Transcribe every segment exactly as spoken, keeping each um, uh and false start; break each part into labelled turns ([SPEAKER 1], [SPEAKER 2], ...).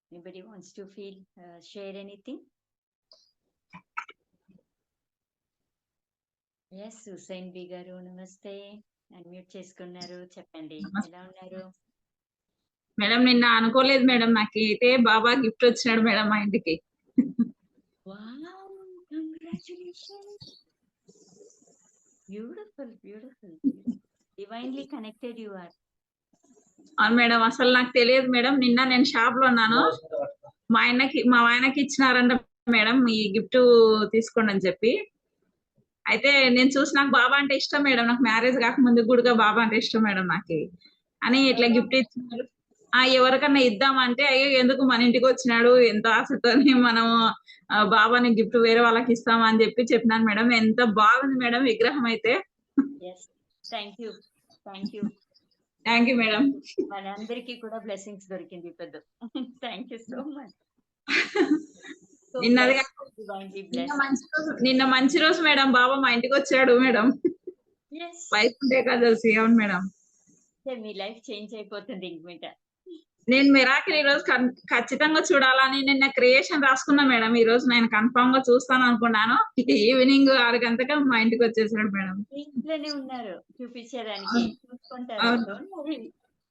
[SPEAKER 1] Anybody wants to feel uh, share anything? S Hussain B గారు నమస్తే. Unmute చేసుకున్నారు, చెప్పండి ఎలా ఉన్నారు?
[SPEAKER 2] మేడం నిన్న అనుకోలేదు మేడం, నాకైతే బాబా గిఫ్ట్ వచ్చినాడు మేడం మా ఇంటికి.
[SPEAKER 1] Wow, congratulations. Beautiful beautiful, divinely connected you are.
[SPEAKER 2] అవును మేడం, అసలు నాకు తెలియదు మేడం. నిన్న నేను షాప్ లో ఉన్నాను, మా ఆయనకి మా ఆయనకి ఇచ్చినారంట మేడం ఈ గిఫ్ట్ తీసుకోండి అని చెప్పి. అయితే నేను చూసి నాకు బాబా అంటే ఇష్టం మేడం, నాకు మ్యారేజ్ కాకముందు కూడా బాబా అంటే ఇష్టం మేడం నాకు అని ఇట్లా గిఫ్ట్ ఇచ్చినారు. ఆ ఎవరికన్నా ఇద్దామంటే అయ్యో ఎందుకు మన ఇంటికి వచ్చినాడు, ఎంత ఆశతో మనం బాబాని గిఫ్ట్ వేరే వాళ్ళకి ఇస్తామని చెప్పి చెప్పినాను మేడం. ఎంత బాగుంది మేడం విగ్రహం అయితే.
[SPEAKER 1] Thank you thank you
[SPEAKER 2] thank you madam.
[SPEAKER 1] మనందరికీ కూడా బ్లెస్సింగ్స్ దొరికింది పెద్ద. Thank you so much.
[SPEAKER 2] నిన్న మంచి రోజు నిన్న మంచి రోజు మేడం, బాబా మా ఇంటికి వచ్చాడు మేడం. వైకుంఠ ఏకాదశి. అవును మేడం,
[SPEAKER 1] మీ లైఫ్ చేంజ్ అయిపోతుంది ఇంకమిట.
[SPEAKER 2] నేను మిరాకిల్ ఈ రోజు ఖచ్చితంగా చూడాలని నిన్న క్రియేషన్ రాసుకున్నా మేడం. ఈ రోజు నేను కన్ఫర్మ్ గా చూస్తాను అనుకున్నాను. ఈవినింగ్ ఆరు గంటలకు మా ఇంటికి వచ్చేసాడు మేడం.
[SPEAKER 1] ఇంట్లోనే ఉన్నారు చూపించడానికి, చూసుకుంటారు. Don't worry.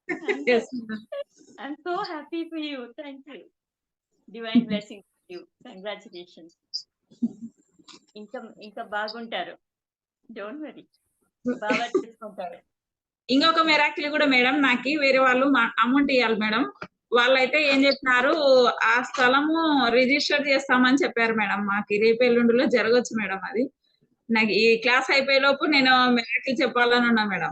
[SPEAKER 1] I'm so happy for you. Thank you. Divine blessing you. Congratulations. ఇంకా ఇంకా బాగుంటారు. డోంట్ వరీ, బాగా చూసుకుంటారు.
[SPEAKER 2] ఇంకొక మిరాకిల్ కూడా మేడం, నాకు వేరే వాళ్ళు అమౌంట్ ఇవ్వాలి మేడం. వాళ్ళైతే ఏం చెప్పినారు, ఆ స్థలము రిజిస్టర్ చేస్తామని చెప్పారు మేడం. మాకు రేపు ఎల్లుండిలో జరగచ్చు మేడం. అది నాకు ఈ క్లాస్ అయిపోయే లోపు నేను మిరాకిల్ చెప్పాలని ఉన్నా మేడం.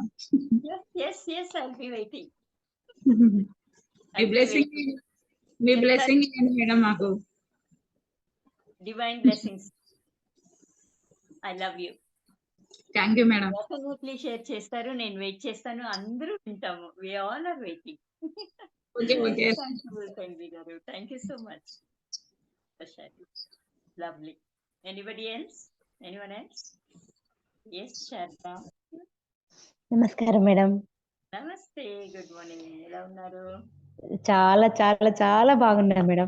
[SPEAKER 2] మీ బ్లెస్సింగ్ మీ బ్లెస్సింగ్ ఏంటి మేడం మాకు?
[SPEAKER 1] Divine blessings. I love you.
[SPEAKER 2] Thank you madam.
[SPEAKER 1] Definitely share చేస్తారు, నేను వెయిట్ చేస్తాను. అందరూ వింటాము. We all are waiting.
[SPEAKER 2] Okay okay.
[SPEAKER 1] గారు thank you so much. Lovely. Anybody else? Anyone else? yes Sharada.
[SPEAKER 3] నమస్కారం మేడం.
[SPEAKER 1] నమస్తే, గుడ్ మార్నింగ్. ఎలా ఉన్నారు?
[SPEAKER 3] చాలా చాలా చాలా బాగున్నా మేడం.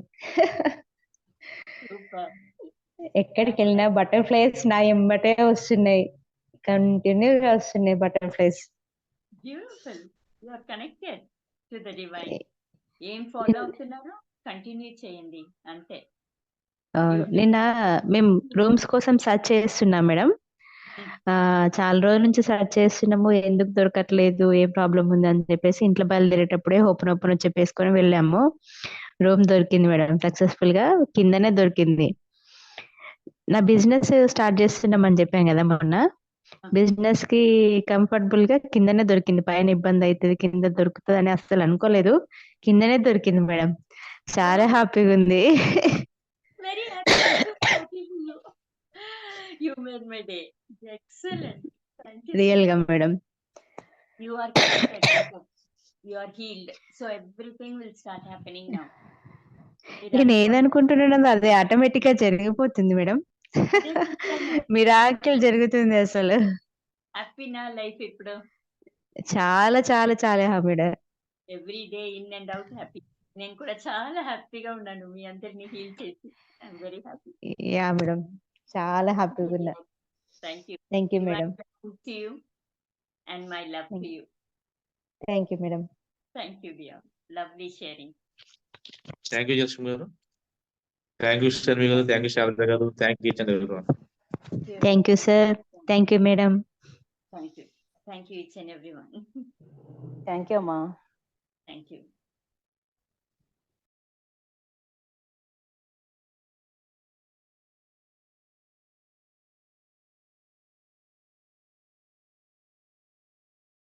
[SPEAKER 1] సూపర్.
[SPEAKER 3] ఎక్కడికి వెళ్ళినా బటర్ఫ్లైస్ నా ఎంబటే వస్తున్నాయి, కంటిన్యూగా వస్తున్నాయి butterflies.
[SPEAKER 1] Beautiful. You are connected to the divine. ఏం ఫాలో అవుతున్నారో కంటిన్యూ చేయండి అంతే.
[SPEAKER 3] అవును, నిన్న మేము రూమ్స్ కోసం సర్చ్ చేస్తున్నాం మేడం. చాలా రోజుల నుంచి సర్చ్ చేస్తున్నాము, ఎందుకు దొరకట్లేదు, ఏ ప్రాబ్లం ఉంది అని చెప్పేసి ఇంట్లో బయలుదేరేటప్పుడే ఓపెన్ ఓపెన్ చెప్పేసుకొని వెళ్ళాము. రూమ్ దొరికింది మేడం, సక్సెస్ఫుల్ గా కిందనే దొరికింది. నా బిజినెస్ స్టార్ట్ చేస్తున్నామని చెప్పాను కదా మొన్న, బిజినెస్ కి కంఫర్టబుల్ గా కిందనే దొరికింది. పైన ఇబ్బంది అవుతుంది, కింద దొరుకుతుంది అని అస్సలు అనుకోలేదు. కిందనే దొరికింది మేడం. చాలా హ్యాపీగా ఉంది.
[SPEAKER 1] Very happy. You made my day. Excellent.
[SPEAKER 3] Real గా madam.
[SPEAKER 1] You are connected. You are healed. So everything will start happening now.
[SPEAKER 3] నేను ఏదనుకుంటున్నానో అదే ఆటోమేటిక్ గా జరిగిపోతుంది మేడం. మిరాకిల్ జరుగుతుంది అసలు.
[SPEAKER 1] హ్యాపీనా లైఫ్ ఇప్పుడు?
[SPEAKER 3] చాలా చాలా చాలా హ్యాపీడా.
[SPEAKER 1] Every day in and out happy. నేను కూడా చాలా హ్యాపీగా ఉన్నాను మీ అందరిని హీల్ చేసి. I'm very happy.
[SPEAKER 3] Ya madam, చాలా హ్యాపీగా ఉన్నా.
[SPEAKER 1] Thank you.
[SPEAKER 3] Thank you madam.
[SPEAKER 1] To you and my love to you.
[SPEAKER 3] Thank you madam.
[SPEAKER 1] Thank you dear. Lovely sharing.
[SPEAKER 4] Thank you Jasmi గారు. థ్యాంక్ యూ శర్మి గారు. థ్యాంక్ యూ శారద గారు. Thank you Chandra గారు.
[SPEAKER 3] Thank you sir. Thank you madam.
[SPEAKER 1] Thank you. Thank you each and everyone.
[SPEAKER 3] Thank you అమ్మా.
[SPEAKER 1] Thank you.